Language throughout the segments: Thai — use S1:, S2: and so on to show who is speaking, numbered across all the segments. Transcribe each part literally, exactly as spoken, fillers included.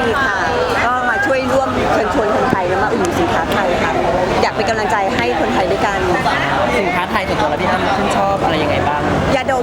S1: ค่ะก็มาช่วยร่วมเชิญชวนคนไทยแล้วมาอุดหนุนสินค้าไทยค่ะอยากเป็นกำลังใจให้คนไทยด้วยกัน
S2: สินค้าไทยส่วนตัวแล้วพี่อ้ำชื่นชอบอะไรยังไงบ้าง
S1: ยาดม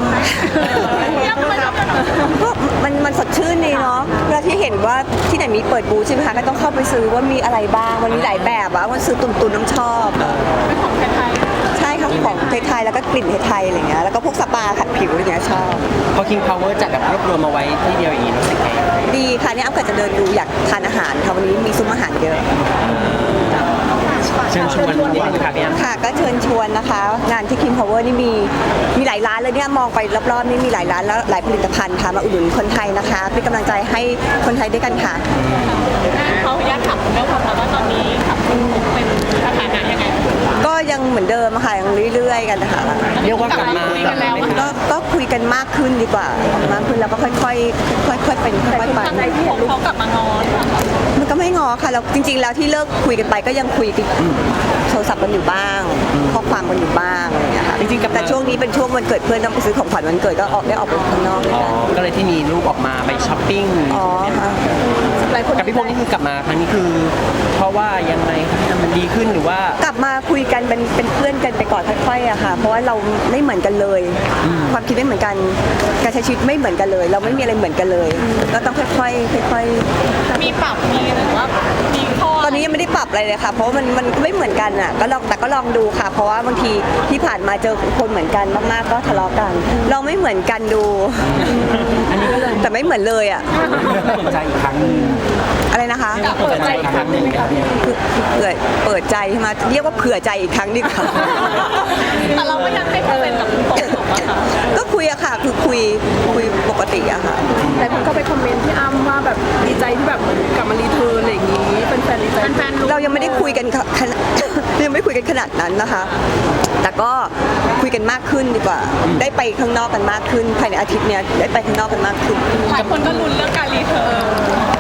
S1: ก็มันมันสดชื่นดีเนาะเวลาที่เห็นว่าที่ไหนมีเปิดบูธใช่ไหมคะก็ต้องเข้าไปซื้อว่ามีอะไรบ้างมันมีหลายแบบอะมันซื้อตุนตุนน้ำชอบ
S3: เป็นของไทย
S1: ใช่ค่ะของไทยๆแล้วก็กลิ่นไทยๆอะไรเงี้ยแล้วก็พวกสปาขัดผิวอะไรเงี้ยชอบ
S2: พอ King Power จัดแบบรวบรวมมาไว้ที่เดียวอย่างนี้รู้สึกไง
S1: ดีค่ะเนี่ยอ้ำก็จะเดินดูอยากทานอาหารค่ะวันนี้มีซุ้มอาหารเยอะ
S2: เชิญชวนนิดนึงค่ะพี่อ้ำ
S1: ค่ะก็เชิญชวนนะคะงานที่ King Power นี่มีมีหลายร้านเลยเนี่ยมองไปรอบๆนี่มีหลายร้านแล้วหลายผลิตภัณฑ์ค่ะมาอุดหนุนคนไทยนะคะเป็นกำลังใจให้คนไทยด้วยกันค่ะ
S3: เขาอยากถามเรื่องความรักว่าตอนนี้ขับเป็นสถานะยังไง
S1: ก็ยังเหมือนเดิมค่ะยังเรื่อยๆกันนะคะ
S2: เรียกว่ากลับมา
S1: ก็ก็คุยกันมากขึ้นดีกว่ามากขึ้นแล้วก็ค่อยๆค่อยๆเป็นค่อยๆไป
S3: เขากลับมางอน
S1: มันก็ไม่งอค่ะเราจริงๆแล้วที่เลิกคุยกันไปก็ยังคุยกันโทรศัพท์กันอยู่บ้างข้อความกันอยู่บ้างอะไรอย่างเงี้ยค่ะ
S2: จริงๆ
S1: แต่ช่วงนี้เป็นช่วงวันเกิดเพื่อนต้องไปซื้อของขวัญวันเกิดก็ออกได้ออกไปข้างนอก
S2: อ๋อก็เลยที่มีรูปออกมาไปช้อปปิ้ง
S1: อ๋อค่ะ
S2: กับพี่พงษ์นี่คือกลับมาครั้งนี้คือเพราะว่ายังไงครับมันดีขึ้นหรือว่าก
S1: ลับมาคุยกันเป็นเป็นเพื่อนกันไปก่อนค่อยๆอะค่ะเพราะว่าเราไม่เหมือนกันเลยความคิดไม่เหมือนกันการใช้ชีวิตไม่เหมือนกันเลย เราไม่มีอะไรเหมือนกันเลยก็ต้องค่อยๆค่อย
S3: ๆมีปรับมีหรือว่ามีข้อ
S1: ตอนนี้ยังไม่ได้ปรับอะไรเลยค่ะเพราะมันมันไม่เหมือนกันอะก็ลองแต่ก็ลองดูค่ะเพราะว่าบางทีที่ผ่านมาเจอคนเหมือนกันมากๆก็ทะเลาะกันเราไม่เหมือนกันดู
S2: อันนี้ก็เลย
S1: แต่ไม่เหมือนเลยอะ
S2: เปิดใจอีกครั้งนึง
S1: อะไรนะคะ
S2: เปิดใจอีกครั้งนึง
S1: คือเปิดเปิดใจใช่ไหมเรียกว่าเผื่อใจอีกครั้งดีกว่า
S3: แต่เราก็ยังให้เปอร์เซ็นต์กับคุณโต
S1: ก็คุยอะค่ะคือคุยคุยปกติอะค่ะ
S4: แต่คนก็ไปคอมเมนต์ที่อ้ำว่าแบบดีใจที่แบบกลับมารีเทิร์นอะไรอย่างนี้เป็นแฟนดีใจ
S3: แฟน
S1: เรายังไม่ได้คุยกันขนาดยังไม่คุยกันขนาดนั้นนะคะแต่ก็คุยกันมากขึ้นดีกว่าได้ไปข้างนอกกันมากขึ้นภายในอาทิตย์เนี้ยได้ไปข้างนอกกันมากขึ้น
S3: หลายคนก็ลุ้นเรื่องการรีเทิร์น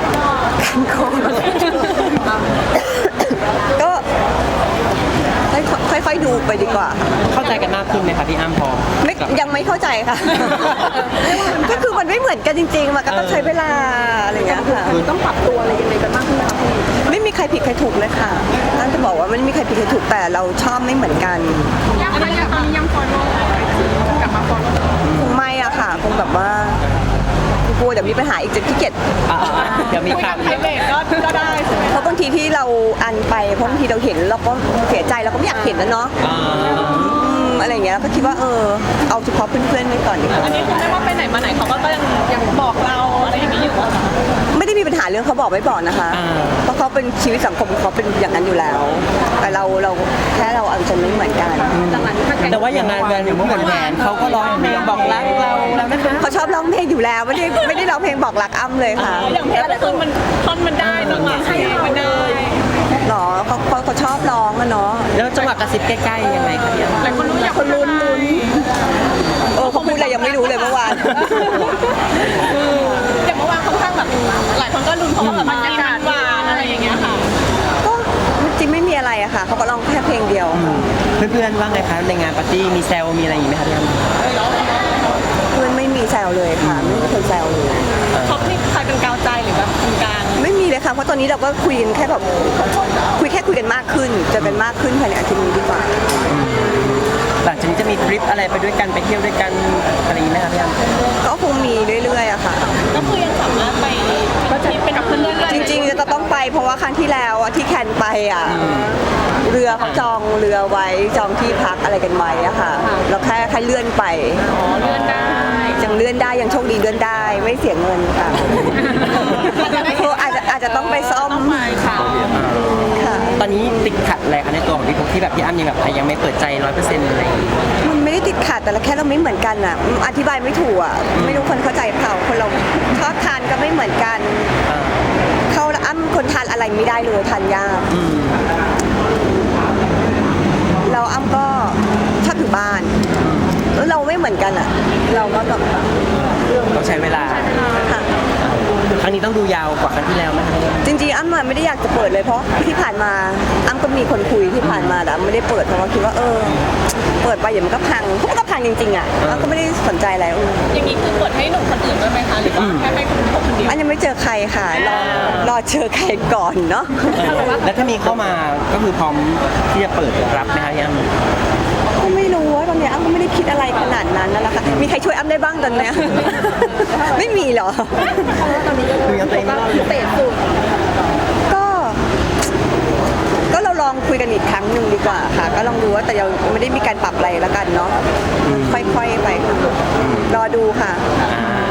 S1: ก็ค่อยๆดูไปดีกว่า
S2: เข้าใจกันมากขึ้นไหมคะพี่อ้ำพอ
S1: ไม่ยังไม่เข้าใจค่ะก็คือมันไม่เหมือนกันจริงๆมันก็ต้องใช้เวลาอะไรอย่างเงี้ยค่ะ
S4: ต้องปรับตัวอะไรยังไงกันมากขึ้นไหมคะพี่
S1: ไม่มีใครผิดใครถูกเลยค่ะนั่นจะบอกว่าไม่มีใครผิดใครถูกแต่เราชอบไม่เหมือนกัน
S3: ยังตอนนี้ยังฟอลโล่กลับมาฟอลโล่
S1: คงไม่อะค่ะคงแบบว่ากลัวเดี๋ยวมีปัญหาอีกจะขี้เกียจ
S2: เดี๋ยวมีข่าว
S3: ไพรเวทก็ก็ได้
S1: เพราะบางทีที่เราอันไปเพราะบางทีเราเห็นเราก็เสียใจเราก็ไม่อยากเห็นแล้วเนาะอะไรอย่างเงี้ยก็คิดว่าเออเอาเฉพาะเพื่อนๆไว้ก่อนดีกว่า
S3: อันนี้คุณไม่ว่าไปไหนมาไหนเขาก็ยังยังบอกเราอะไรอย่างนี้อยู่ว่า
S1: ไม่ได้มีปัญหาเรื่องเขาบอกไม่บอกนะคะเพราะเขาเป็นชีวิตสังคมเขาเป็นอย่างนั้นอยู่แล้วแต่เราเราแค่เราเอาใจไม่เหมือนกัน
S2: แต่ว่าอย่างงานงานอย่างเหมือนแหวนเขาก็ร้องเพลงบอกรักเราแล้วนะคะ
S1: เขาชอบร้องเพลงอยู่แล้วไม่ได้ไม่ได้ร้องเพลงบอกรักอ้ำเลยค่ะ
S3: อย่างเพลงก็คือมันท่อนมันได้จังหวะให้มันได้
S1: หรอเขาเขาเขาชอบร้องอะเนาะ
S2: แล้วจังหวะกระซิบใกล้ๆยังไงคะเนี่ย
S3: หลายคนรู้อยากคนลุ้นลุ้น
S1: เออเขาพูดอะไรยังไม่รู้เลยเมื่อวาน
S3: อย่างเมื่อวานค่อนข้างแบบหลายคนก็ลุ้นเพราะว่าแบบบรรยากาศหวานอะไรอย่างเงี้ยค่ะ
S1: ก็จริงไม่มีอะไรอะค่ะเขาก็ร้องแค่เพลงเดียว
S2: เพื่อนๆว่าไงคะในงานปาร์ตี้มีแซวมีอะไรอย่างนี้ไหมคะพี่อ้ำ
S1: เพื่อนไม่มีแซวเลยค่ะไม่มีคนแซวเลย
S3: ท็อปนี่ใครเป็นกาวใจหรือแบบคนกลาง
S1: ไม่มีเลยค่ะเพราะตอนนี้เราก็คุยกันแค่แบบคุยแค่คุยกันมากขึ้นจะเป็นมากขึ้นภายในอาทิตย์นี้ดีกว่า
S2: หลังจากนี้จะมีทริปอะไรไปด้วยกันไปเที่ยวด้วยกันอะไรอย่างนี้ไหมคะพี่อ้ำ
S1: ก็คงมีเรื่อยๆอะค่ะ
S3: ก็คือยังสามารถไปก็จะเป็นกับเพื่อน
S1: ๆจริงๆจะต้องไปเพราะว่าครั้งที่แล้วที่แคนไปอะเรือเขาจองเรือไว้จองที่พักอะไรกันไว้อะค่ะเราแค่แค่เลื่อนไป
S3: อ๋อเลื่อนได้
S1: ยังเลื่อนได้ยังโชคดีเลื่อนได้ไม่เสียเงินค่ะอาจจะอาจจะต้องไปซ่อม
S3: ค่ะ
S2: ตอนนี้ติดขัดอะไรคะในตัวของพี่พงษ์ที่แบบพี่อ้ำยังแบบยังไม่เปิดใจร้อยเปอร์เซ็นต์อะไร
S1: มันไม่ได้ติดขัดแต่ละแค่เราไม่เหมือนกันอะอธิบายไม่ถูกอะไม่รู้คนเข้าใจเปล่าคนเราชอบทานก็ไม่เหมือนกันเขาอ้ำคนทานอะไรไม่ได้เลยทานยากเราอ้ำก็ชอบอยู่บ้านแล้วเราไม่เหมือนกันอ่ะเราก็แบบ
S2: ต้องใช้เวลา
S1: ค่ะ
S2: ครั้งนี้ต้องดูยาวกว่าครั้งที่แล้วไหมคะ
S1: จริงๆอ้ำอะไม่ได้อยากจะเปิดเลยเพราะที่ผ่านมาอ้ำก็มีคนคุยที่ผ่านมาแต่อ้ำไม่ได้เปิดเพราะว่าคิดว่าเออเปิดไปเดี๋ยวมันก็พังเพราะมันก็พังจริงๆอ่ะอ้ำก็ไม่ได้สนใจอะไรอืม
S3: อย่างนี้คือเปิดให้หนุ่มคนอื่นด้วยไหมคะหรือว่าแค่ให้คุณพกคนเดียว
S1: อันยังไม่เจอใครค่ะรอรอเจอใครก่อนเนาะ
S2: แล้วถ้ามีเข้ามาก็คือพร้อมที่จะเปิดรับไหมคะพี่อ้ำ
S1: ก็ไม่รู้ว่าตอนเนี้ยอ้ำก็ไม่ได้คิดอะไรขนาดนั้นนั่นแหละค่ะมีใครช่วยอ้ำได้บ้างตอนเนี้ย ไม่มีเหรอ
S4: ตอนนี้ก็
S2: ดูยังตัวเองไม่รอด
S4: พิเศษสุด
S1: ก็ ก็เราลองคุยกันอีกครั้งหนึ่งดีกว่าค่ะ ก็ลองดูว่าแต่ยังไม่ได้มีการปรับอะไรแล้วกันเนาะค่อยๆไปรอดูค่ะ
S2: อ่า